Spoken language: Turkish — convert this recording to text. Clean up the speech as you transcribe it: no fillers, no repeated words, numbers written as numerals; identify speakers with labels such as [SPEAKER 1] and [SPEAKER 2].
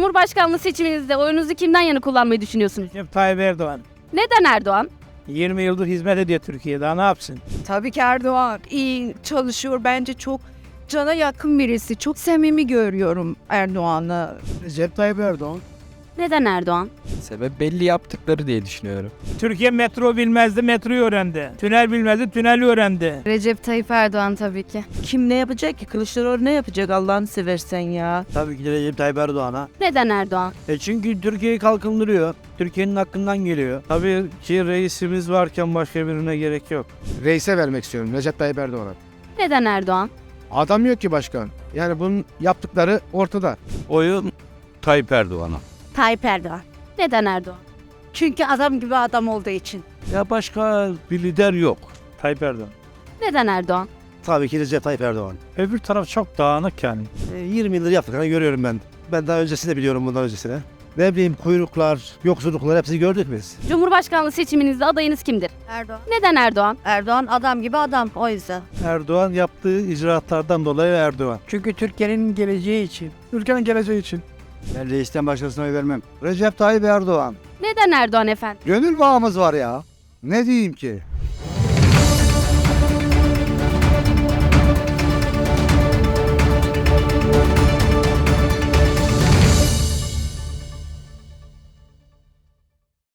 [SPEAKER 1] Cumhurbaşkanlığı seçiminizde oyunuzu kimden yana kullanmayı düşünüyorsunuz?
[SPEAKER 2] Recep Tayyip Erdoğan.
[SPEAKER 1] Neden Erdoğan?
[SPEAKER 2] 20 yıldır hizmet ediyor Türkiye'ye. Daha ne yapsın?
[SPEAKER 3] Tabii ki Erdoğan iyi çalışıyor. Bence çok cana yakın birisi. Çok samimi görüyorum Erdoğan'ı.
[SPEAKER 4] Recep Tayyip Erdoğan.
[SPEAKER 1] Neden Erdoğan?
[SPEAKER 5] Sebep belli yaptıkları diye düşünüyorum.
[SPEAKER 2] Türkiye metro bilmezdi, metroyu öğrendi. Tünel bilmezdi, tüneli öğrendi.
[SPEAKER 1] Recep Tayyip Erdoğan tabii ki.
[SPEAKER 3] Kim ne yapacak ki? Kılıçdaroğlu ne yapacak Allah'ını seversen ya?
[SPEAKER 4] Tabii ki de Recep Tayyip Erdoğan'a.
[SPEAKER 1] Neden Erdoğan?
[SPEAKER 4] Çünkü Türkiye'yi kalkındırıyor. Türkiye'nin hakkından geliyor.
[SPEAKER 6] Tabii ki reisimiz varken başka birine gerek yok.
[SPEAKER 7] Reis'e vermek istiyorum Recep Tayyip Erdoğan'a.
[SPEAKER 1] Neden Erdoğan?
[SPEAKER 7] Adam yok ki başkan. Yani bunun yaptıkları ortada.
[SPEAKER 6] Oyun Tayyip Erdoğan'a.
[SPEAKER 3] Tayyip Erdoğan.
[SPEAKER 1] Neden Erdoğan?
[SPEAKER 3] Çünkü adam gibi adam olduğu için.
[SPEAKER 6] Ya başka bir lider yok.
[SPEAKER 2] Tayyip Erdoğan.
[SPEAKER 1] Neden Erdoğan?
[SPEAKER 4] Tabii ki Recep Tayyip Erdoğan.
[SPEAKER 2] Öbür taraf çok dağınık yani.
[SPEAKER 4] 20 yıldır yaptıklarını görüyorum ben. Ben daha öncesini de biliyorum bundan öncesine. Ne bileyim kuyruklar, yoksulluklar hepsini gördük biz.
[SPEAKER 1] Cumhurbaşkanlığı seçiminizde adayınız kimdir?
[SPEAKER 3] Erdoğan.
[SPEAKER 1] Neden Erdoğan?
[SPEAKER 3] Erdoğan adam gibi adam o yüzden.
[SPEAKER 6] Erdoğan yaptığı icraatlardan dolayı Erdoğan.
[SPEAKER 2] Çünkü Türkiye'nin geleceği için.
[SPEAKER 7] Ülkenin geleceği için.
[SPEAKER 4] Ben reisten başkasına oy vermem. Recep Tayyip Erdoğan.
[SPEAKER 1] Neden Erdoğan efendim?
[SPEAKER 4] Gönül bağımız var ya. Ne diyeyim ki?